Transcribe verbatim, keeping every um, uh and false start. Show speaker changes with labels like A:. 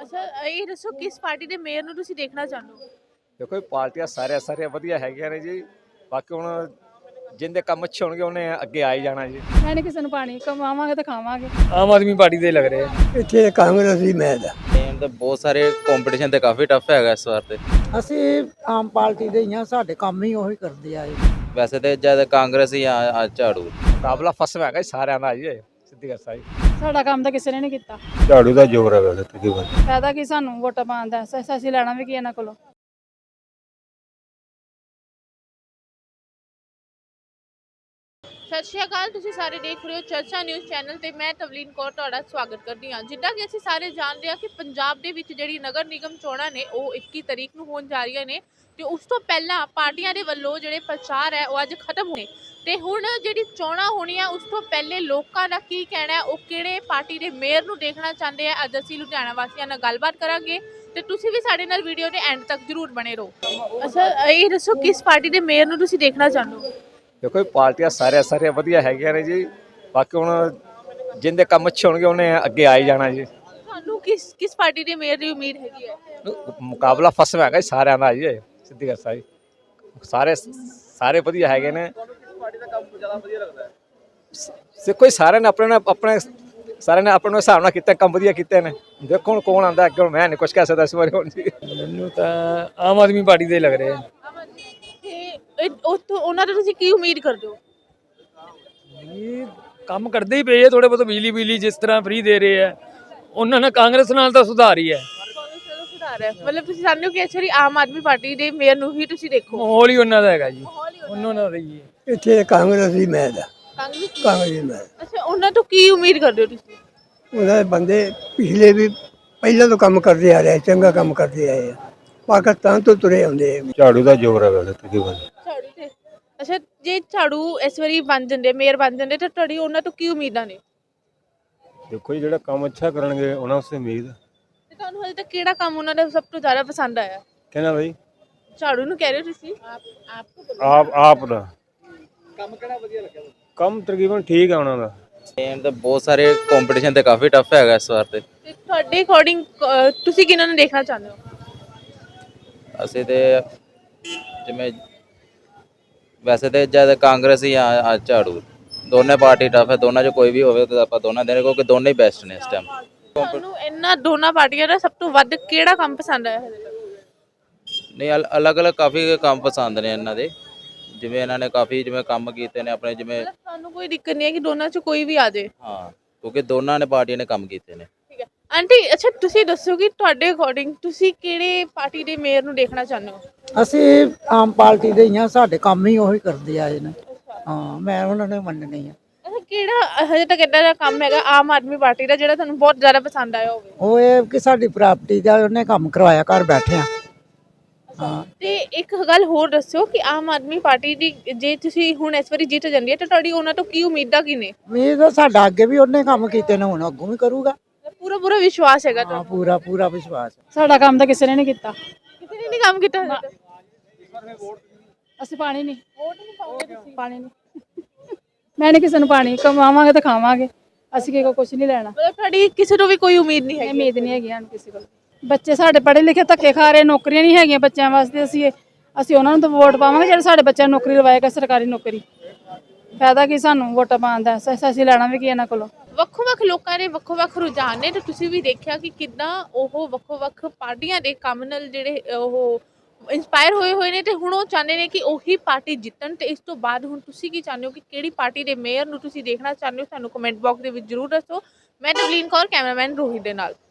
A: ਅੱਛਾ ਇਹ ਦੱਸੋ ਕਿਸ ਪਾਰਟੀ ਦੇ ਮੇਅਰ ਨੂੰ ਤੁਸੀਂ ਦੇਖਣਾ ਚਾਹੁੰਦੇ ਹੋ?
B: ਦੇਖੋ ਇਹ ਪਾਰਟੀਆਂ ਸਾਰੀਆਂ ਸਾਰੀਆਂ ਵਧੀਆ ਹੈਗੀਆਂ ਨੇ ਜੀ। ਬਾਕੀ ਹੁਣ ਜਿੰਦੇ ਕੰਮ ਅੱਛੇ ਹੋਣਗੇ ਉਹਨੇ ਅੱਗੇ ਆ ਹੀ ਜਾਣਾ ਜੀ।
C: ਮੈਂ ਨਹੀਂ ਕਿਸੇ ਨੂੰ ਪਾਣੀ ਕਮਾਵਾਂਗੇ ਤਾਂ ਖਾਵਾਂਗੇ।
D: ਆਮ ਆਦਮੀ ਪਾਰਟੀ ਦੇ ਲੱਗ ਰਹੇ ਆ।
E: ਇੱਥੇ ਕਾਂਗਰਸ ਦੀ ਮੈਦ ਆ।
F: ਟੀਮ ਤਾਂ ਬਹੁਤ ਸਾਰੇ ਕੰਪੀਟੀਸ਼ਨ ਤੇ ਕਾਫੀ ਟਫ ਹੈਗਾ ਇਸ ਵਾਰ ਤੇ।
E: ਅਸੀਂ ਆਮ ਪਾਰਟੀ ਦੇ ਹੀ ਆ, ਸਾਡੇ ਕੰਮ ਹੀ ਉਹੀ ਕਰਦੇ ਆਏ।
F: ਵੈਸੇ ਤੇ ਜਦ ਕਾਂਗਰਸ ਹੀ ਆ ਆ ਝਾੜੂ
B: ਮੁਕਾਬਲਾ ਫਸਵਾ ਹੈਗਾ ਜੀ ਸਾਰਿਆਂ ਦਾ ਜੀ। ਸਿੱਧੀ ਗੱਲ ਸਾਈ
C: ਸਾਡਾ ਕੰਮ ਤਾਂ ਕਿਸੇ ਨੇ ਨਹੀਂ ਕੀਤਾ।
G: ਝਾੜੂ ਦਾ ਜ਼ੋਰ ਹੈ ਵੈਸੇ ਤਕਰੀਬਨ।
C: ਫਾਇਦਾ ਕੀ ਸਾਨੂੰ ਵੋਟਾਂ ਪਾਉਣ ਦਾ, ਅਸ- ਅਸੀਂ ਲੈਣਾ ਵੀ ਕੀ ਇਹਨਾਂ ਕੋਲੋਂ।
A: ਸਤਿ ਸ਼੍ਰੀ ਅਕਾਲ, ਤੁਸੀਂ ਸਾਰੇ ਦੇਖ ਰਹੇ ਹੋ ਚਰਚਾ ਨਿਊਜ਼ ਚੈਨਲ ਤੇ ਮੈਂ ਤਵਲੀਨ ਕੌਰ ਤੁਹਾਡਾ ਸਵਾਗਤ ਕਰਦੀ ਹਾਂ। ਜਿੱਦਾਂ ਕਿ ਅਸੀਂ ਸਾਰੇ ਜਾਣਦੇ ਹਾਂ ਕਿ ਪੰਜਾਬ ਦੇ ਵਿੱਚ ਜਿਹੜੀ ਨਗਰ ਨਿਗਮ ਚੋਣਾਂ ਨੇ ਉਹ ਇੱਕੀ ਤਰੀਕ ਨੂੰ ਹੋਣ ਜਾ ਰਹੀਆਂ ਨੇ ਤੇ ਉਸ ਤੋਂ ਪਹਿਲਾਂ ਪਾਰਟੀਆਂ ਦੇ ਵੱਲੋਂ ਜਿਹੜੇ ਪ੍ਰਚਾਰ ਹੈ ਉਹ ਅੱਜ ਖਤਮ ਹੋਣੇ ਤੇ ਹੁਣ ਜਿਹੜੀ ਚੋਣਾਂ ਹੋਣੀਆਂ ਉਸ ਤੋਂ ਪਹਿਲੇ ਲੋਕਾਂ ਦਾ ਕੀ ਕਹਿਣਾ ਹੈ, ਉਹ ਕਿਹੜੇ ਪਾਰਟੀ ਦੇ ਮੇਅਰ ਨੂੰ ਦੇਖਣਾ ਚਾਹੁੰਦੇ ਆ। ਅੱਜ ਅਸੀਂ ਲੁਧਿਆਣਾ ਵਾਸੀਆਂ ਨਾਲ ਗੱਲਬਾਤ ਕਰਾਂਗੇ ਤੇ ਤੁਸੀਂ ਵੀ ਸਾਡੇ ਨਾਲ ਵੀਡੀਓ ਦੇ ਐਂਡ ਤੱਕ ਜ਼ਰੂਰ ਬਣੇ ਰਹੋ। ਅੱਛਾ ਇਹ ਦੱਸੋ ਕਿਸ ਪਾਰਟੀ ਦੇ ਮੇਅਰ ਨੂੰ ਤੁਸੀਂ ਦੇਖਣਾ ਚਾਹੁੰਦੇ ਹੋ?
B: ਦੇਖੋ ਇਹ ਪਾਰਟੀਆਂ ਸਾਰੀਆਂ ਸਾਰੀਆਂ ਵਧੀਆ ਹੈਗੀਆਂ ਨੇ ਜੀ। ਬਾਕੀ ਹੁਣ ਜਿੰਦੇ ਕੰਮ ਅੱਛੇ ਹੋਣਗੇ ਉਹਨੇ ਅੱਗੇ ਆ ਹੀ ਜਾਣਾ ਜੀ।
A: ਤੁਹਾਨੂੰ ਕਿਸ ਕਿਸ ਪਾਰਟੀ ਦੇ ਮੇਅਰ ਦੀ ਉਮੀਦ ਹੈਗੀ ਹੈ?
B: ਮੁਕਾਬਲਾ ਫਸਵਾ ਹੈਗਾ ਜੀ ਸਾਰਿਆਂ ਦਾ ਜੀ। ਸਿੱਧੀ ਗੱਲ ਸਾਈ ਸਾਰੇ ਸਾਰੇ ਵਧੀਆ ਹੈਗੇ ਨੇ। ਦੇਖੋ ਸਾਰਿਆਂ ਨੇ ਆਪਣੇ ਆਪਣੇ ਸਾਰਿਆਂ ਨੇ ਆਪਣੇ ਹਿਸਾਬ ਨਾਲ ਕੀਤਾ, ਕੰਮ ਵਧੀਆ ਕੀਤੇ ਨੇ। ਦੇਖੋ ਹੁਣ ਕੌਣ ਆਉਂਦਾ ਅੱਗੇ, ਹੁਣ ਮੈਂ ਨਹੀਂ ਕੁਝ ਕਹਿ ਸਕਦਾ ਇਸ ਬਾਰੇ ਹੁਣ ਜੀ।
D: ਮੈਨੂੰ ਤਾਂ ਆਮ ਆਦਮੀ ਪਾਰਟੀ ਦੇ ਲੱਗ ਰਹੇ ਆ।
A: ਤੇ ਇਹ- ਉਹ ਤੋਂ ਉਹਨਾਂ ਤੋਂ ਤੁਸੀਂ ਕੀ ਉਮੀਦ ਕਰਦੇ ਹੋ?
D: ਇਹ ਕੰਮ ਕਰਦੇ ਹੀ ਪਏ ਆ ਥੋੜੇ ਬਹੁਤ। ਬਿਜਲੀ ਬਿਜਲੀ ਜਿਸ ਤਰ੍ਹਾਂ ਫ੍ਰੀ ਦੇ ਰਹੇ ਆ, ਉਹਨਾਂ ਨਾਲ ਕਾਂਗਰਸ ਨਾਲ ਤਾਂ ਸੁਧਾਰ ਹੀ ਹੈ।
A: ਸੁਧਾਰ ਹੈ ਮਤਲਬ ਤੁਸੀਂ ਚਾਹੁੰਦੇ ਹੋ ਕਿ ਐਕਚੁਅਲੀ ਆਮ ਆਦਮੀ ਪਾਰਟੀ ਦੇ ਮੇਅਰ ਨੂੰ ਹੀ ਤੁਸੀਂ ਦੇਖੋ।
D: ਮਾਹੌਲ ਹੀ ਉਹਨਾਂ ਦਾ ਹੈਗਾ ਜੀ, ਉਹਨਾਂ ਨਾਲ ਰਹੀ ਹੈ।
E: ਇੱਥੇ ਕਾਂਗਰਸ ਦੀ ਮੈਦ ਆ।
A: ਕਾਂਗਰਸ
E: ਕਾਂਗਰਸ ਦੀ ਮੈਦ।
A: ਅੱਛਾ ਉਹਨਾਂ ਤੋਂ ਕੀ ਉਮੀਦ ਕਰਦੇ ਹੋ ਤੁਸੀਂ?
E: ਉਹਨਾਂ ਦੇ ਬੰਦੇ ਪਿਛਲੇ ਵੀ ਪਹਿਲਾਂ ਤੋਂ ਕੰਮ ਕਰਦੇ ਆ ਰਹੇ, ਚੰਗਾ ਕੰਮ ਕਰਦੇ ਆਏ ਆ। ਪਾਕਿਸਤਾਨ ਤੋਂ ਤੁਰੇ ਆਉਂਦੇ ਆ।
G: ਝਾੜੂ ਦਾ ਜ਼ੋਰ ਹੈ ਵੈਸੇ ਤਕਰੀਬਨ।
A: ਝਾੜੂ ਤੇ ਅੱਛਾ ਜੇ ਝਾੜੂ ਇਸ ਵਾਰੀ ਬਣ ਜਾਂਦੇ, ਮੇਅਰ ਬਣ ਜਾਂਦੇ ਤਾਂ ਤੁਹਾਡੀ ਉਹਨਾਂ ਤੋਂ ਕੀ ਉਮੀਦਾਂ ਨੇ?
G: ਦੇਖੋ ਜੀ ਜਿਹੜਾ ਕੰਮ ਅੱਛਾ ਕਰਨਗੇ ਉਹਨਾਂ ਉਸੇ ਉਮੀਦ।
A: ਤੇ ਤੁਹਾਨੂੰ ਹਜੇ ਤੱਕ ਕਿਹੜਾ ਕੰਮ ਉਹਨਾਂ ਦਾ ਸਭ ਤੋਂ ਜ਼ਿਆਦਾ ਪਸੰਦ ਆਇਆ?
G: ਕਹਿੰਦਾ ਬਈ
A: ਝਾੜੂ ਨੂੰ ਕਹਿ ਰਹੇ ਹੋ ਤੁਸੀਂ?
G: ਆਪ ਆਪ ਦਾ ਕੰਮ ਕਿਹੜਾ ਵਧੀਆ ਲੱਗਿਆ? ਕੰਮ ਤਕਰੀਬਨ ਠੀਕ ਆ ਉਹਨਾਂ ਦਾ।
F: ਟੀਮ ਤਾਂ ਬਹੁਤ ਸਾਰੇ ਕੰਪੀਟੀਸ਼ਨ ਤੇ ਕਾਫੀ ਟਫ ਹੈਗਾ ਇਸ ਵਾਰ ਤੇ।
A: ਤੇ ਤੁਹਾਡੇ ਅਕੋਰਡਿੰਗ ਤੁਸੀਂ ਕਿਹਨਾਂ ਨੂੰ ਦੇਖਣਾ ਚਾਹੁੰਦੇ ਹੋ?
F: ਅਸੀਂ ਤੇ ਜਿਵੇਂ ਵੈਸੇ ਤੇ ਜਦ ਕਾਂਗਰਸ ਹੀ ਆ ਆ ਝਾੜੂ ਦੋਨੇ ਪਾਰਟੀ ਟਫ ਹੈ। ਦੋਨਾਂ 'ਚ ਕੋਈ ਵੀ ਹੋਵੇ ਤਾਂ ਆਪਾਂ ਦੋਨਾਂ ਦੇ, ਕਿਉਂਕਿ ਦੋਨੇ ਹੀ ਬੈਸਟ ਨੇ ਇਸ ਟਾਈਮ।
A: ਤੁਹਾਨੂੰ ਇਹਨਾਂ ਦੋਨਾਂ ਪਾਰਟੀਆਂ ਦਾ ਸਭ ਤੋਂ ਵੱਧ ਕਿਹੜਾ ਕੰਮ ਪਸੰਦ ਆਇਆ ਹਜੇ ਤੱਕ?
F: ਨਹੀਂ ਅਲੱਗ ਅਲੱਗ ਕਾਫੀ ਕੰਮ ਪਸੰਦ ਨੇ ਇਹਨਾਂ ਦੇ। ਜਿਵੇਂ ਇਹਨਾਂ ਨੇ ਕਾਫੀ ਜਿਵੇਂ ਕੰਮ ਕੀਤੇ ਨੇ ਆਪਣੇ, ਜਿਵੇਂ
A: ਮਤਲਬ ਤੁਹਾਨੂੰ ਕੋਈ ਦਿੱਕਤ ਨਹੀਂ ਹੈ ਕਿ ਦੋਨਾਂ ਚ ਕੋਈ ਵੀ ਆ ਜਾਏ?
F: ਹਾਂ, ਕਿਉਂਕਿ ਦੋਨਾਂ ਨੇ ਪਾਰਟੀਆਂ ਨੇ ਕੰਮ ਕੀਤੇ ਨੇ।
A: ਠੀਕ ਹੈ ਆਂਟੀ, ਅੱਛਾ ਤੁਸੀਂ ਦੱਸੋ ਕਿ ਤੁਹਾਡੇ ਅਕੋਰਡਿੰਗ ਤੁਸੀਂ ਕਿਹੜੇ ਪਾਰਟੀ ਦੇ ਮੇਅਰ ਨੂੰ ਦੇਖਣਾ ਚਾਹੁੰਦੇ ਹੋ?
E: ਅਸੀਂ ਆਮ ਪਾਰਟੀ ਦੇ ਹੀ ਆ, ਸਾਡੇ ਕੰਮ ਹੀ ਉਹੀ ਕਰਦੇ ਆਏ ਨੇ। ਹਾਂ, ਮੈਂ ਉਹਨਾਂ ਨੇ ਮੰਨਣੀ ਆ।
A: ਅੱਛਾ ਕਿਹੜਾ ਹਜੇ ਤੱਕ ਏਦਾਂ ਦਾ ਕੰਮ ਹੈਗਾ ਆਮ ਆਦਮੀ ਪਾਰਟੀ ਦਾ ਜਿਹੜਾ ਤੁਹਾਨੂੰ ਬਹੁਤ ਜ਼ਿਆਦਾ ਪਸੰਦ ਆਇਆ ਹੋਵੇ?
E: ਉਹ ਇਹ ਕਿ ਸਾਡੀ ਪ੍ਰਾਪਰਟੀ ਦਾ ਉਹਨੇ ਕੰਮ ਕਰਵਾਇਆ, ਘਰ ਬੈਠੇ ਆ। ਹਾਂ,
A: ਤੇ ਇੱਕ ਗੱਲ ਹੋਰ ਦੱਸੋ ਕਿ ਆਮ ਆਦਮੀ ਪਾਰਟੀ ਦੀ ਜੇ ਤੁਸੀਂ ਹੁਣ ਇਸ ਵਾਰੀ ਜਿੱਤ ਜਾਂਦੀ ਹੈ ਤਾਂ ਤੁਹਾਡੀ ਉਹਨਾਂ ਤੋਂ ਕੀ ਉਮੀਦਾਂ ਕੀ ਨੇ?
E: ਉਮੀਦ ਤਾਂ ਸਾਡਾ ਅੱਗੇ ਵੀ ਉਹਨੇ ਕੰਮ ਕੀਤੇ ਨੇ, ਹੁਣ ਅੱਗੋਂ ਵੀ ਕਰੂਗਾ।
A: ਪੂਰਾ ਪੂਰਾ ਵਿਸ਼ਵਾਸ ਹੈਗਾ
E: ਹਾਂ,
A: ਤੁਹਾਨੂੰ?
E: ਪੂਰਾ ਪੂਰਾ ਵਿਸ਼ਵਾਸ।
C: ਸਾਡਾ ਕੰਮ ਤਾਂ ਕਿਸੇ ਨੇ ਨਹੀਂ ਕੀਤਾ।
A: ਕਿਸੇ ਨੇ ਨਹੀਂ ਕੰਮ ਕੀਤਾ ਹਜੇ ਤੱਕ?
C: ਅਸੀਂ ਪਾਣੀ ਨਹੀਂ ਪਾਣੀ ਨਹੀਂ ਮੈਂ ਨਹੀਂ ਕਿਸੇ ਨੂੰ ਪਾਣੀ ਕਮਾਵਾਂਗੇ ਤਾਂ ਖਾਵਾਂਗੇ। ਅਸੀਂ ਕਿਸੇ ਕੋਲ ਕੁਝ ਨਹੀਂ ਲੈਣਾ।
A: ਮਤਲਬ ਤੁਹਾਡੀ ਕਿਸੇ ਤੋਂ ਵੀ ਕੋਈ ਉਮੀਦ ਨਹੀਂ
C: ਇਹ
A: ਹੈਗੀ?
C: ਉਮੀਦ ਨਹੀਂ ਹੈਗੀ ਸਾਨੂੰ ਕਿਸੇ ਕੋਲ। ਬੱਚੇ ਸਾਡੇ ਪੜ੍ਹੇ ਲਿਖੇ ਧੱਕੇ ਖਾ ਰਹੇ, ਨੌਕਰੀਆਂ ਨਹੀਂ ਹੈਗੀਆਂ ਬੱਚਿਆਂ ਵਾਸਤੇ। ਅਸੀਂ ਅਸੀਂ ਉਹਨਾਂ ਨੂੰ ਤਾਂ ਵੋਟ ਪਾਵਾਂਗੇ ਜਿਹੜੇ ਸਾਡੇ ਬੱਚਿਆਂ ਨੂੰ ਨੌਕਰੀ ਲਵਾਏਗਾ, ਸਰਕਾਰੀ ਨੌਕਰੀ। ਫਾਇਦਾ ਕੀ ਸਾਨੂੰ ਵੋਟਾਂ ਪਾਉਣ ਦਾ, ਅਸ- ਅਸੀਂ ਲੈਣਾ ਵੀ ਕੀ ਇਹਨਾਂ ਕੋਲੋਂ।
A: ਵੱਖੋ-ਵੱਖ ਲੋਕਾਂ ਦੇ ਵੱਖੋ-ਵੱਖ ਰੁਝਾਨ ਨੇ ਤੇ ਤੁਸੀਂ ਵੀ ਦੇਖਿਆ ਕਿ ਕਿੱਦਾਂ ਉਹ ਵੱਖੋ-ਵੱਖ ਪਾਰਟੀਆਂ ਦੇ ਕੰਮ ਨਾਲ ਜਿਹੜੇ ਉਹ ਇੰਸਪਾਇਰ ਹੋਏ ਹੋਏ ਨੇ ਤੇ ਹੁਣ ਉਹ ਚਾਹੁੰਦੇ ਨੇ ਕਿ ਉਹੀ ਪਾਰਟੀ ਜਿੱਤਣ। ਤੇ ਇਸ ਤੋਂ ਬਾਅਦ ਹੁਣ ਤੁਸੀਂ ਕੀ ਚਾਹੁੰਦੇ ਹੋ ਕਿ ਕਿਹੜੀ ਪਾਰਟੀ ਦੇ ਮੇਅਰ ਨੂੰ ਤੁਸੀਂ ਦੇਖਣਾ ਚਾਹੁੰਦੇ ਹੋ? ਸਾਨੂੰ ਕਮੈਂਟ ਬਾਕਸ ਦੇ ਵਿੱਚ ਜ਼ਰੂਰ ਦੱਸੋ। ਮੈਂ ਤਵਲੀਨ ਕੌਰ, ਕੈਮਰਾਮੈਨ ਰੋਹਿਤ ਦੇ ਨਾਲ।